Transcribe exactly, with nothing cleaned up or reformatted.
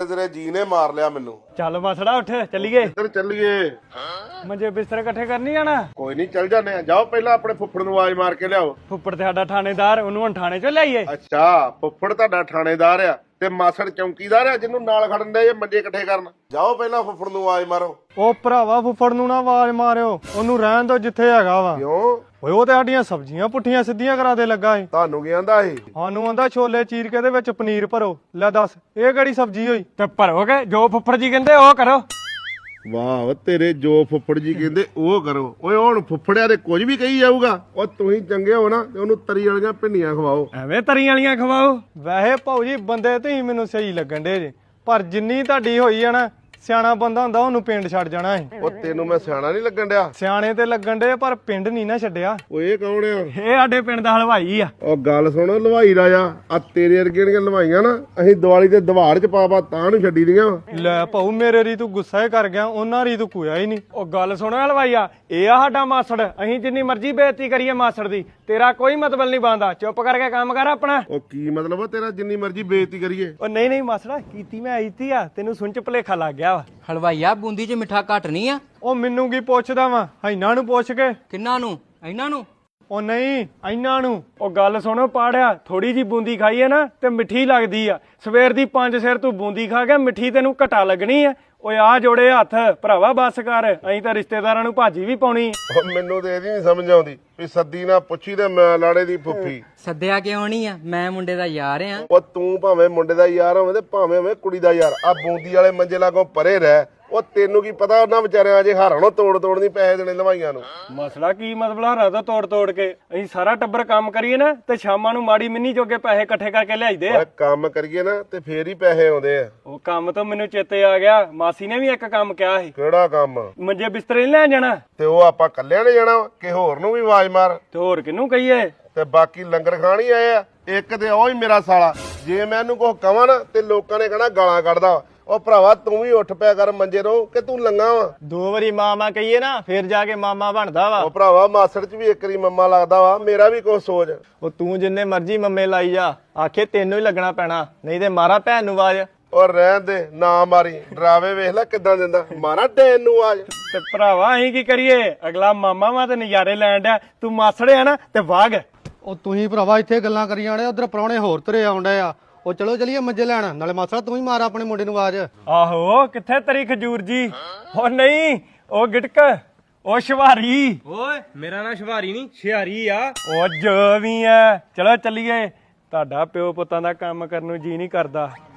ਤੇਰੇ ਜੀ ਨੇ ਮਾਰ ਲਿਆ ਮੈਨੂੰ। ਚੱਲ ਮਸੜਾ ਉੱਠ ਚੱਲੀਏ। ਕਿੱਧਰ ਚੱਲੀਏ? ਮੰਜੇ ਬਿਸਤਰੇ ਇਕੱਠੇ ਕਰਨੀ ਜਾਣਾ। ਕੋਈ ਨਹੀਂ ਚੱਲ ਜਾਂਦੇ ਆ। ਜਾਓ ਪਹਿਲਾਂ ਆਪਣੇ ਫੁੱਫੜ ਨੂੰ ਆਵਾਜ਼ ਮਾਰ ਕੇ ਲਿਆਓ। ਫੁੱਫੜ ਤੇ ਸਾਡਾ ਥਾਣੇਦਾਰ, ਉਹਨੂੰ ਹੁਣ ਥਾਣੇ ਚੋਂ ਲਿਆਈਏ। ਅੱਛਾ ਫੁੱਫੜ ਤੁਹਾਡਾ ਥਾਣੇਦਾਰ ਆ ਤੇ ਮਾਸੜ ਚੌਂਕੀਦਾਰ ਆ ਜਿਹਨੂੰ ਨਾਲ ਖੜਨ ਦੇ ਇਹ ਮੰਜੇ ਇਕੱਠੇ ਕਰਨ। ਜਾਓ ਪਹਿਲਾਂ ਫੁੱਫੜ ਨੂੰ ਆਵਾਜ਼ ਮਾਰੋ। ਉਹ ਭਰਾਵਾ ਫੁੱਫੜ ਨੂੰ ਨਾ ਆਵਾਜ਼ ਮਾਰਿਓ, ਉਹਨੂੰ ਰਹਿਣ ਦੋ ਜਿੱਥੇ ਹੈਗਾ ਵਾ। ਕਿਉਂ? ਓਏ ਉਹ ਤੇ ਸਾਡੀਆਂ ਸਬਜ਼ੀਆਂ ਪੁੱਠੀਆਂ ਸਿੱਧੀਆਂ ਕਰਾ ਦੇ ਲੱਗਾ ਏ। ਤੁਹਾਨੂੰ ਕੀ ਆਂਦਾ ਇਹ? ਸਾਨੂੰ ਆਂਦਾ ਛੋਲੇ ਚੀਰ ਕੇ ਦੇ ਵਿੱਚ ਪਨੀਰ ਭਰੋ। ਲੈ ਦੱਸ ਇਹ ਕਿਹੜੀ ਸਬਜ਼ੀ ਹੋਈ? ਤੇ ਭਰੋਗੇ ਜੋ ਫੁੱਫੜ ਜੀ ਕਹਿੰਦੇ ਉਹ ਕਰੋ। ਵਾਹ ਤੇਰੇ ਜੋ ਫੁੱਫੜ ਜੀ ਕਹਿੰਦੇ ਉਹ ਕਰੋ। ਓਏ ਹੁਣ ਫੁੱਫੜਿਆ ਦੇ ਕੁਝ ਵੀ ਕਹੀ ਜਾਊਗਾ। ਉਹ ਤੁਸੀਂ ਚੰਗੇ ਹੋ ਨਾ ਤੇ ਉਹਨੂੰ ਤਰੀ ਵਾਲੀਆਂ ਭਿੰਡੀਆਂ ਖਵਾਓ। ਐਵੇਂ ਤਰੀਆਂ ਵਾਲੀਆਂ ਖਵਾਓ। ਵੈਸੇ ਭਾਊ ਜੀ ਬੰਦੇ ਤੁਸੀਂ ਮੈਨੂੰ ਸਹੀ ਲੱਗਣ ਦੇ ਜੇ, ਪਰ ਜਿੰਨੀ ਤੁਹਾਡੀ ਹੋਈ ਆ ਨਾ, ਸਿਆਣਾ ਬੰਦਾ ਹੁੰਦਾ ਉਹਨੂੰ ਪਿੰਡ ਛੱਡ ਜਾਣਾ ਸੀ। ਉਹ ਤੈਨੂੰ ਮੈਂ ਸਿਆਣਾ ਨਹੀਂ ਲੱਗਣ ਡਿਆ? ਸਿਆਣੇ ਤੇ ਲੱਗਣ ਦੇ ਪਰ ਪਿੰਡ ਨਹੀਂ ਨਾ ਛੱਡਿਆ। ਓਏ ਇਹ ਕੌਣ ਆ? ਇਹ ਸਾਡੇ ਪਿੰਡ ਦਾ ਹਲਵਾਈ ਆ। ਉਹ ਗੱਲ ਸੁਣ ਹਲਵਾਈ ਰਾਜਾ, ਆ ਤੇਰੇ ਵਰਗੀਆਂ ਦੀਆਂ ਹਲਵਾਈਆਂ ਨਾ ਅਸੀਂ ਦੀਵਾਲੀ ਤੇ ਦਵਾੜ ਚ ਪਾ ਪਾ ਤਾਂ ਨੂੰ ਛੱਡੀ ਦੀਆਂ। ਲੈ ਭਾਊ ਮੇਰੇ ਰੀ ਤੂੰ ਗੁੱਸਾ ਹੀ ਕਰ ਗਿਆ, ਉਹਨਾਂ ਰੀ ਤੂੰ ਕੋਇਆ ਹੀ ਨਹੀਂ। ਉਹ ਗੱਲ ਸੁਣੋ ਹਲਵਾਈਆ, ਇਹ ਆ ਸਾਡਾ ਮਾਸੜ। ਅਸੀਂ ਜਿੰਨੀ ਮਰਜ਼ੀ ਬੇਇੱਜ਼ਤੀ ਕਰੀਏ ਮਾਸੜ ਦੀ, ਤੇਰਾ ਕੋਈ ਮਤਲਬ ਨਹੀਂ ਬਣਦਾ। ਚੁੱਪ ਕਰਕੇ ਕੰਮ ਕਰ ਆਪਣਾ। ਉਹ ਕੀ ਮਤਲਬ ਆ ਤੇਰਾ ਜਿੰਨੀ ਮਰਜ਼ੀ ਬੇਇੱਜ਼ਤੀ ਕਰੀਏ? ਉਹ ਨਹੀਂ ਨਹੀਂ ਮਾਸੜਾ, ਕੀਤੀ ਮੈਂ ਆਈਤੀ ਆ, ਤੈਨੂੰ ਸੁਣ ਚ ਭੁਲੇਖਾ ਲੱਗ ਗਿਆ ਵਾ। ਹਲਵਾਈਆ ਬੂੰਦੀ 'ਚ ਮਿੱਠਾ ਘੱਟ ਨਹੀਂ ਆ? ਉਹ ਮੈਨੂੰ ਕੀ ਪੁੱਛਦਾ ਵਾ, ਇਹਨਾਂ ਨੂੰ ਪੁੱਛ ਕੇ। ਕਿੰਨਾਂ ਨੂੰ? ਇਹਨਾਂ ਨੂੰ? ਉਹ ਨਹੀਂ ਇਹਨਾਂ ਨੂੰ। ਉਹ ਗੱਲ ਸੁਣੋ ਪਾੜਿਆ, ਥੋੜੀ ਜੀ ਬੂੰਦੀ ਖਾਈਏ ਨਾ ਤੇ ਮਿੱਠੀ ਲੱਗਦੀ ਆ। ਸਵੇਰ ਦੀ ਪੰਜ ਸਿਰ ਤੂੰ ਬੂੰਦੀ ਖਾ ਕੇ ਮਿੱਠੀ ਤੈਨੂੰ ਘਟਾ ਲੱਗਣੀ ਆ। ਓਏ ਆ ਜੋੜੇ ਹੱਥ ਭਰਾਵਾ ਬੱਸ ਕਰ, ਅਸੀਂ ਤਾਂ ਰਿਸ਼ਤੇਦਾਰਾਂ ਨੂੰ ਭਾਜੀ ਵੀ ਪਾਉਣੀ। ਉਹ ਮੈਨੂੰ ਤੇ ਇਹਦੀ ਨਹੀਂ ਸਮਝ ਆਉਂਦੀ ਵੀ ਸੱਦੀ ਨਾ ਪੁੱਛੀ ਤੇ ਮੈਂ ਲਾੜੇ ਦੀ ਫੁੱਫੀ। ਸੱਦਿਆ ਕਿਉਂ ਨਹੀਂ ਆ? ਮੈਂ ਮੁੰਡੇ ਦਾ ਯਾਰ ਆ। ਉਹ ਤੂੰ ਭਾਵੇਂ ਮੁੰਡੇ ਦਾ ਯਾਰ ਹੋਵੇਂ ਤੇ ਭਾਵੇਂ ਹੋਵੇਂ ਕੁੜੀ ਦਾ ਯਾਰ, ਆ ਬੂੰਦੀ ਵਾਲੇ ਮੰਜੇ ਲਾਗੋਂ ਪਰੇ ਰਹਿ। ਉਹ ਤੈਨੂੰ ਕੀ ਪਤਾ ਉਹਨਾਂ ਵਿਚਾਰਿਆਂ ਅਜੇ ਹਾਰਾਣੋਂ ਤੋੜ ਤੋੜ ਨਹੀਂ ਪੈਸੇ ਦੇਣੇ ਹਲਵਾਈਆਂ ਨੂੰ। ਮਸਲਾ ਕੀ ਮਤਲਬ ਹਾਰਾ ਦਾ ਤੋੜ ਤੋੜ ਕੇ? ਅਸੀਂ ਸਾਰਾ ਟੱਬਰ ਕੰਮ ਕਰੀਏ ਨਾ ਤੇ ਸ਼ਾਮਾਂ ਨੂੰ ਮਾੜੀ ਮਿੰਨੀ ਜੋਗੇ ਪੈਸੇ ਇਕੱਠੇ ਕਰਕੇ ਲਿਆਈਦੇ ਆ। ਓਏ ਕੰਮ ਕਰੀਏ ਨਾ ਤੇ ਫੇਰ ਹੀ ਪੈਸੇ ਆਉਂਦੇ ਆ। ਉਹ ਕੰਮ ਤੋਂ ਮੈਨੂੰ ਚੇਤੇ ਆ ਗਿਆ, ਮਾਸੀ ਨੇ ਵੀ ਇੱਕ ਕੰਮ ਕਿਹਾ ਸੀ। ਕਿਹੜਾ ਕੰਮ? ਮੰਜੇ ਬਿਸਤਰੇ ਨੀ ਲੈਣ ਜਾਣਾ। ਤੇ ਉਹ ਆਪਾਂ ਕੱਲਿਆਂ ਨੇ ਜਾਣਾ ਕਿ ਹੋਰ ਨੂੰ ਵੀ ਆਵਾਜ਼ ਮਾਰ? ਤੇ ਹੋਰ ਕਿਹਨੂੰ ਕਹੀਏ? ਤੇ ਬਾਕੀ ਲੰਗਰ ਖਾਣ ਹੀ ਆਏ ਆ। ਇੱਕ ਤੇ ਉਹ ਹੀ ਮੇਰਾ ਸਾਲਾ, ਜੇ ਮੈਂ ਇਹਨੂੰ ਕੁਝ ਕਵਾਂ ਨਾ ਤੇ ਲੋਕਾਂ ਨੇ ਕਹਿਣਾ ਗਾਲਾਂ ਕੱਢਦਾ। ਉਹ ਭਰਾਵਾ ਤੂੰ ਵੀ ਉੱਠ ਪਿਆ ਕਰ ਮੰਜੇ ਤੋਂ ਕਿ ਤੂੰ ਲੰਗਾ ਵਾ। ਦੋ ਵਾਰੀ ਮਾਮਾ ਕਹੀਏ ਨਾ ਫੇਰ ਜਾ ਕੇ ਮਾਮਾ ਬਣਦਾ ਵਾ। ਉਹ ਭਰਾਵਾ ਮਾਸੜ ਚ ਵੀ ਇੱਕ ਵਾਰੀ ਮੰਮਾ ਲੱਗਦਾ ਵਾ। ਮੇਰਾ ਵੀ ਕੁਝ ਸੋਚ। ਉਹ ਤੂੰ ਜਿੰਨੇ ਮਰਜ਼ੀ ਮੰਮੇ ਲਾਈ ਜਾ, ਆਖੇ ਤੈਨੂੰ ਹੀ ਲੱਗਣਾ ਪੈਣਾ, ਨਹੀਂ ਤੇ ਮਾਰਾ ਭੈਣ ਨੂੰ ਆਵਾਜ਼। ਔਰ ਰਹਿਣ ਦੇ ਨਾ ਮਾਰੀ, ਡਰਾਵੇ ਵੇਖ ਲੈ ਕਿੱਦਾਂ ਦਿੰਦਾ। ਮਾਰਾ ਡੈਨ ਨੂੰ ਆਵਾਜ਼। ਤੇ ਭਰਾਵਾ ਅਸੀਂ ਕੀ ਕਰੀਏ? ਅਗਲਾ ਮਾਮਾ ਵਾ ਤੇ ਨਜ਼ਾਰੇ ਲੈਣ ਡਿਆ, ਤੂੰ ਮਾਸੜਿਆ ਨਾ ਤੇ ਵਾਗ। ਉਹ ਤੁਸੀਂ ਭਰਾਵਾ ਇੱਥੇ ਗੱਲਾਂ ਕਰੀ ਜਾਣੇ, ਉਧਰ ਪ੍ਰਾਹੁਣੇ ਹੋਰ ਤੁਰੇ ਆਉਂਦੇ ਆ। ਉਹ ਚਲੋ ਚਲੀਏ ਮੰਜੇ ਲੈਣ। ਨਾਲੇ ਮਾਸੜਾ ਤੂੰ ਹੀ ਮਾਰ ਆਪਣੇ ਮੁੰਡੇ ਨੂੰ ਆਵਾਜ਼। ਆਹੋ ਕਿੱਥੇ ਤੇਰੀ ਖਜੂਰ ਜੀ? ਉਹ ਨਹੀਂ, ਉਹ ਗਿਟਕ, ਉਹ ਸ਼ਿਵਾਰੀ। ਓਏ ਮੇਰਾ ਨਾਂ ਸ਼ਿਵਾਰੀ ਨਹੀਂ ਸ਼ਿਆਰੀ ਆ। ਉਹ ਜੋ ਵੀ ਐ, ਚਲੋ ਚੱਲੀਏ। ਤੁਹਾਡਾ ਪਿਓ ਪੁੱਤਾਂ ਦਾ ਕੰਮ ਕਰਨ ਨੂੰ ਜੀ ਨਹੀਂ ਕਰਦਾ।